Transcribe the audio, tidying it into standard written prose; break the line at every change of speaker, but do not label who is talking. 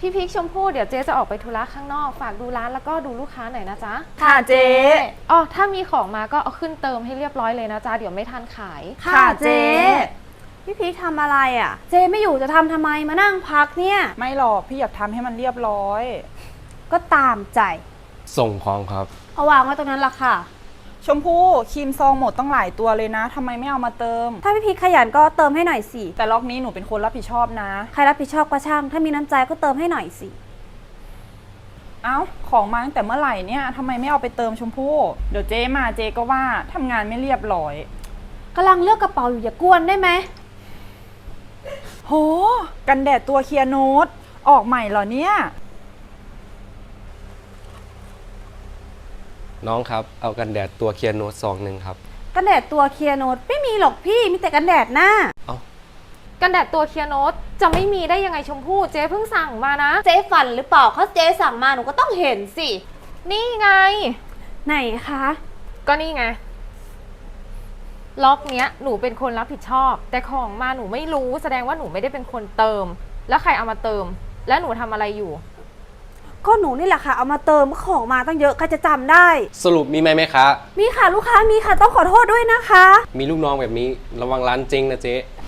พี่พิกชมพู่เดี๋ยวเจ๊จะออกไปธุระข้างนอกฝากดูร้านแล้วก็ดูลูกค้าหน่อยนะจ๊ะ
ค่ะเจ๊
อ๋อถ้ามีของมาก็เอาขึ้นเติมให้เรียบร้อยเลยนะจ๊ะเดี๋ยวไม่ทันขาย
ค่ะเจ๊พี่พีคทำอะไรอ่ะเจ๊ไม่อยู่จะทำไมมานั่งพักเนี่ย
ไม่หรอกพี่อยากทำให้มันเรียบร้อย
ก็ตามใจ
ส่งของครับ
เอาวางไว้ตรงนั้นละค่ะ
ชมพู่ครีมซองหมดต้องหลายตัวเลยนะทำไมไม่เอามาเติม
ถ้าพี่พีคขยันก็เติมให้หน่อยสิ
แต่ล็อกนี้หนูเป็นคนรับผิดชอบนะ
ใครรับผิดชอบก็ช่างถ้ามีน้ำใจก็เติมให้หน่อยสิ
เอ้าของมาตั้งแต่เมื่อไหร่เนี่ยทำไมไม่เอาไปเติมชมพู่เดี๋ยวเจ๊มาเจ๊ก็ว่าทำงานไม่เรียบร้อย
กำลังเลือกกระเป๋าอยู่อย่ากวนได้ไหม
โหกันแดดตัวเคลียร์โนตออกใหม่เหรอเนี่ย
น้องครับเอากันแดดตัวเคลียร์โน้ตซองหนึ่งครับ
กันแดดตัวเคลียร์โนตไม่มีหรอกพี่มีแต่กันแดดหน้า
กันแดดตัวเคลียร์โนตจะไม่มีได้ยังไงชมพู่เจ๊เพิ่งสั่งมานะ
เจ๊ฝันหรือเปล่าเขาเจ๊สั่งมาหนูก็ต้องเห็นสิ
นี่ไง
ไหนคะ
ก็นี่ไงล็อกเนี้ยหนูเป็นคนรับผิดชอบแต่ของมาหนูไม่รู้แสดงว่าหนูไม่ได้เป็นคนเติมแล้วใครเอามาเติมแล้วหนูทำอะไรอยู่
ก็หนูนี่แหละค่ะเอามาเติมของมาตั้งเยอะใครจะจำได้
สรุปมีไหมคะ
มีค่ะลูกค้ามีค่ะต้องขอโทษด้วยนะคะ
มีลูกน้องแบบนี้ระวังร้านจริงนะเจ๊